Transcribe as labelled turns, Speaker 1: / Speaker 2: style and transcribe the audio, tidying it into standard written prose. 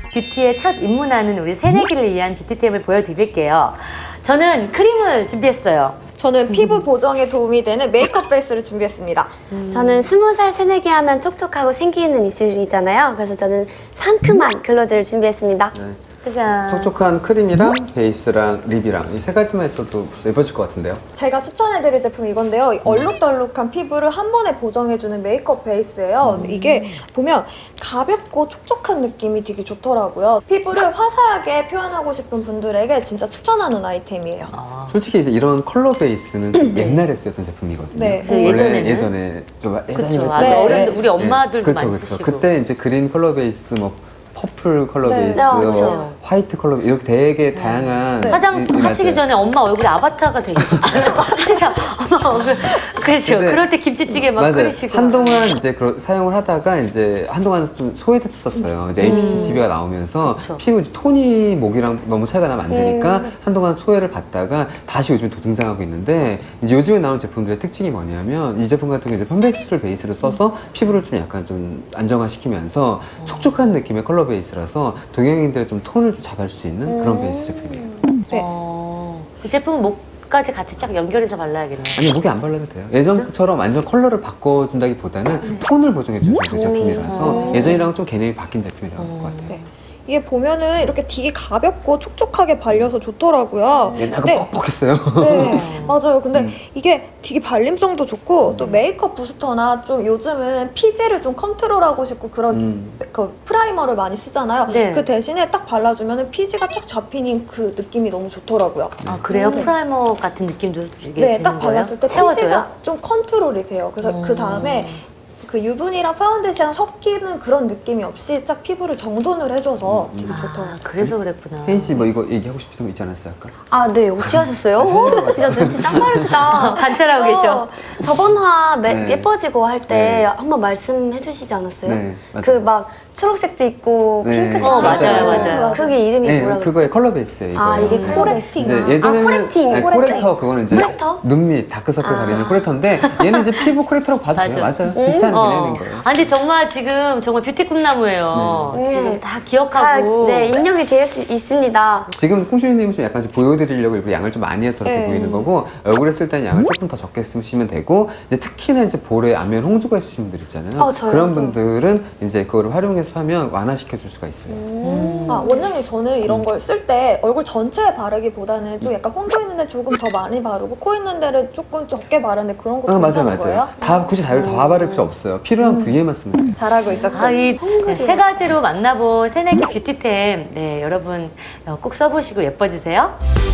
Speaker 1: 뷰티에 첫 입문하는 우리 새내기를 위한 뷰티템을 보여드릴게요. 저는 크림을 준비했어요.
Speaker 2: 저는 피부 보정에 도움이 되는 메이크업 베이스를 준비했습니다.
Speaker 3: 저는 20살 새내기 하면 촉촉하고 생기는 입술이잖아요. 그래서 저는 상큼한 글로즈를 준비했습니다.
Speaker 4: 네.
Speaker 1: 짜잔.
Speaker 4: 촉촉한 크림이랑 베이스랑 립이랑 이 세 가지만 있어도 벌써 예뻐질 것 같은데요?
Speaker 2: 제가 추천해드릴 제품이 이건데요. 얼룩덜룩한 피부를 한 번에 보정해주는 메이크업 베이스예요. 근데 이게 보면 가볍고 촉촉한 느낌이 되게 좋더라고요. 피부를 화사하게 표현하고 싶은 분들에게 진짜 추천하는 아이템이에요.
Speaker 1: 아,
Speaker 4: 솔직히 이제 이런 컬러 베이스는 좀 옛날에 쓰였던 제품이거든요.
Speaker 2: 네.
Speaker 1: 예전에는?
Speaker 4: 예전에 좀 예전에
Speaker 1: 그쵸.
Speaker 4: 그때
Speaker 1: 아,
Speaker 2: 네.
Speaker 1: 어른들, 우리 엄마들도
Speaker 4: 그렇죠,
Speaker 1: 많이
Speaker 4: 그렇죠.
Speaker 1: 쓰시고.
Speaker 4: 그때 이제 그린 컬러 베이스, 뭐 퍼플 컬러
Speaker 2: 네.
Speaker 4: 베이스,
Speaker 3: 네,
Speaker 4: 뭐
Speaker 3: 그렇죠.
Speaker 4: 화이트 컬러 베이스 이렇게 되게 다양한
Speaker 1: 화장 하시기 전에 엄마 얼굴에 아바타가 되게 있어요. 항상 엄마 얼굴. 그렇죠.
Speaker 4: 근데
Speaker 1: 그럴 때 김치찌개 막
Speaker 4: 맞아요.
Speaker 1: 끓이시고.
Speaker 4: 한동안 이제 사용을 하다가 이제 한동안 좀 소외됐었어요. 이제 HDTV가 나오면서
Speaker 1: 그쵸.
Speaker 4: 피부 이제 톤이 목이랑 너무 차이가 나면 안 되니까 한동안 소외를 받다가 다시 요즘에 또 등장하고 있는데 이제 요즘에 나온 제품들의 특징이 뭐냐면 이 제품 같은 경우 이제 편백수를 베이스로 써서 피부를 좀 약간 좀 안정화시키면서 촉촉한 느낌의 컬러 베이스라서 동양인들의 좀 톤을 좀 잡을 수 있는 그런 베이스 제품이에요.
Speaker 2: 네.
Speaker 1: 이 제품은 목까지 같이 쫙 연결해서 발라야겠네요.
Speaker 4: 아니 목에 안 발라도 돼요. 예전처럼 완전 컬러를 바꿔준다기보다는 톤을 보정해주는 제품이라서 예전이랑 좀 개념이 바뀐 제품이라고 할 것 같아요.
Speaker 2: 네. 이게 보면은 이렇게 되게 가볍고 촉촉하게 발려서 좋더라고요.
Speaker 4: 옛날 거
Speaker 2: 네.
Speaker 4: 뻑뻑했어요.
Speaker 2: 네, 맞아요. 근데 이게 되게 발림성도 좋고 또 메이크업 부스터나 좀 요즘은 피지를 좀 컨트롤하고 싶고 그런 그 프라이머를 많이 쓰잖아요.
Speaker 1: 네.
Speaker 2: 그 대신에 딱 발라주면 피지가 쫙 잡히는 그 느낌이 너무 좋더라고요.
Speaker 1: 아, 그래요? 프라이머 같은 느낌도 이게
Speaker 2: 네,
Speaker 1: 드는
Speaker 2: 딱
Speaker 1: 거예요?
Speaker 2: 발랐을 때
Speaker 1: 채워줘요?
Speaker 2: 피지가 좀 컨트롤이 돼요. 그래서 그 다음에 그 유분이랑 파운데이션 섞이는 그런 느낌이 없이 딱 피부를 정돈을 해줘서 되게 좋더라고요.
Speaker 1: 아, 그래서 그랬구나.
Speaker 4: 혜인 씨 뭐 이거 얘기하고 싶은 거 있지 않았어요 아까?
Speaker 3: 아, 네. 어떻게 하셨어요? 오, 진짜 눈치 짱 빠르시다.
Speaker 1: 관찰하고 계셔.
Speaker 3: 저번 화
Speaker 4: 네.
Speaker 3: 예뻐지고 할 때
Speaker 4: 네.
Speaker 3: 한번 말씀해 주시지 않았어요?
Speaker 4: 네, 맞아요.
Speaker 3: 그 막 초록색도 있고
Speaker 4: 네.
Speaker 3: 핑크색도
Speaker 1: 맞아요,
Speaker 3: 있고.
Speaker 1: 맞아요.
Speaker 3: 그게 이름이
Speaker 4: 네,
Speaker 3: 뭐라
Speaker 4: 그거의
Speaker 3: 그랬죠?
Speaker 4: 컬러 베이스예요. 이거.
Speaker 3: 아, 이게
Speaker 4: 네.
Speaker 3: 컬러
Speaker 2: 코렉팅.
Speaker 3: 베이스.
Speaker 4: 이제 예전에는
Speaker 3: 코렉팅.
Speaker 4: 아니, 코렉터 그거는 이제
Speaker 3: 코렉터?
Speaker 4: 눈 밑 다크서클
Speaker 3: 아.
Speaker 4: 가리는 코렉터인데 얘는 이제 피부 코렉터라고 봐도 돼요.
Speaker 1: 맞아.
Speaker 4: 맞아요. 비슷한 개념인 거예요.
Speaker 1: 아, 근데 정말 지금 정말 뷰티 꿈나무예요.
Speaker 3: 네.
Speaker 1: 지금 다
Speaker 3: 다,
Speaker 1: 기억하고.
Speaker 3: 네, 입력이 되어 있습니다.
Speaker 4: 지금 콩슈이님은 좀 약간 좀 보여드리려고 일부러 양을 좀 많이 해서 이렇게
Speaker 2: 네.
Speaker 4: 보이는 거고 얼굴에 쓸 때는 양을 조금 더 적게 쓰시면 되고 이제 특히나 이제 볼에 안면 홍조가 있으신 분들 있잖아요.
Speaker 3: 저요,
Speaker 4: 그런
Speaker 3: 저.
Speaker 4: 분들은 이제 그거를 활용해서 하면 완화시켜 줄 수가 있어요.
Speaker 2: 아, 원장님 저는 이런 걸 쓸 때 얼굴 전체에 바르기보다는 좀 약간 홍조 있는데 조금 더 많이 바르고 코 있는 데를 조금 적게 바르는데 그런 거
Speaker 4: 맞아요,
Speaker 2: 괜찮은 거예요?
Speaker 4: 맞아요. 다 굳이 다 바를 필요 없어요. 필요한 부위에만 쓰면 돼요.
Speaker 2: 잘하고 있었고.
Speaker 1: 아, 이 세 가지로 만나본 새내기 뷰티템, 네, 여러분 꼭 써보시고 예뻐지세요.